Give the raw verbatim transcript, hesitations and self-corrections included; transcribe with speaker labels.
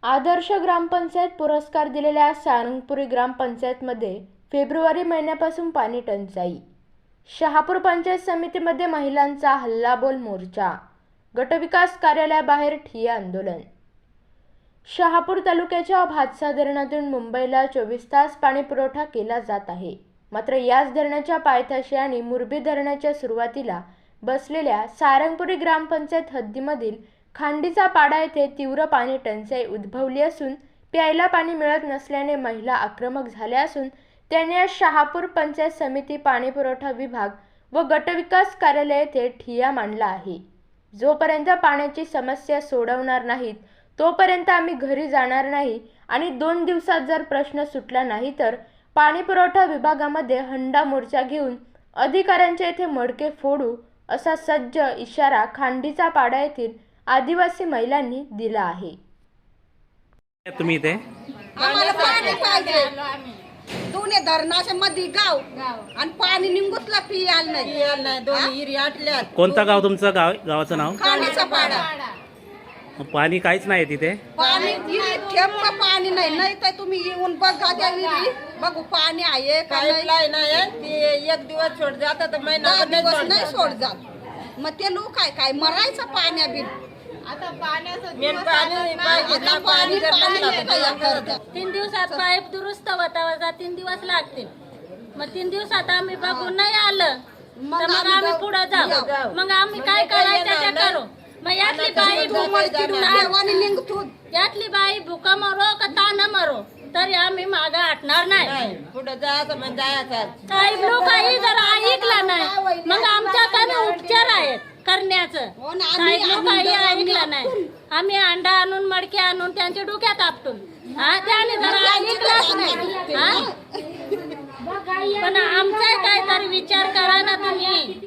Speaker 1: आदर्श ग्रामपंचायत पुरस्कार दिलेल्या सारंगपुरी ग्रामपंचायतमध्ये फेब्रुवारी महिन्यापासून पाणी टंचाई. शहापूर पंचायत समितीमध्ये महिलांचा हल्लाबोल मोर्चा. गटविकास कार्यालयाबाहेर ठिय्या आंदोलन. शहापूर तालुक्याच्या भातसा धरणातून मुंबईला चोवीस तास पाणी पुरवठा केला जात आहे. मात्र याच धरणाच्या पायथ्याशी आणि मुरबी धरणाच्या सुरुवातीला बसलेल्या सारंगपुरी ग्रामपंचायत हद्दीमधील खांडीचा पाडा येथे तीव्र पाणी टंचाई उद्भवली असून प्यायला पाणी मिळत नसल्याने महिला आक्रमक झाल्या असून त्यांनी आज शहापूर पंचायत समिती, पाणी पुरवठा विभाग व गटविकास कार्यालय येथे ठिय्या मांडला आहे. जोपर्यंत पाण्याची समस्या सोडवणार नाहीत तोपर्यंत आम्ही घरी जाणार नाही आणि दोन दिवसात जर प्रश्न सुटला नाही तर पाणी पुरवठा विभागामध्ये हंडा मोर्चा घेऊन अधिकाऱ्यांच्या येथे मडके फोडू असा सज्ज इशारा खांडीचा पाडा येथील आदिवासी महिलांनी दिला आहे.
Speaker 2: तुम्ही इथे
Speaker 3: आम्हाला पाणी पाहिजे. दोन्ही धरणाच्या मध्ये गाव आणि पाणी निघूतला पियाला नाही पियाला नाही दोन्ही हिरी आटल्यात.
Speaker 2: कोणतं गाव तुमचं? गाव गावाचं नाव?
Speaker 3: खांडीचा पाडा.
Speaker 2: पाणी काहीच नाही तिथे.
Speaker 3: पाणी थेंब पाणी नाही. नाही तर तुम्ही येऊन बघा त्या विहिरी बघू पाणी आहे का नाही.
Speaker 4: ते एक दिवस सोड जात तर महिना
Speaker 3: दिवस नाही सोड जात. मग ते लोक काय काय मरायचं पाण्या बिन.
Speaker 4: आता पाण्याचं पाणी पाहिजे ना. पाणी जर नसलं
Speaker 5: तीन दिवसात पाईप दुरुस्त होता तीन दिवस लागतील. मग तीन दिवसात आम्ही बघून नाही आलं तर मग आम्ही पुढे जाऊ. मग आम्ही काय करायचं ते करू. मग यातली बाई यातली बाई भुका मरो का ताना मरो तरी आम्ही मागे हटणार नाही.
Speaker 4: पुढे जायचं म्हणजे जायचं.
Speaker 5: काही लोकही जर ऐकला नाही मग आमच्याकडे उपचार आहेत करण्याचं. काही लोकही ऐकलं नाही. आम्ही अंडा आणून मडके आणून त्यांच्या डोक्यात आपटून हा त्याने जर ऐकलंच नाही. पण आमचा काहीतरी विचार करा ना तुम्ही.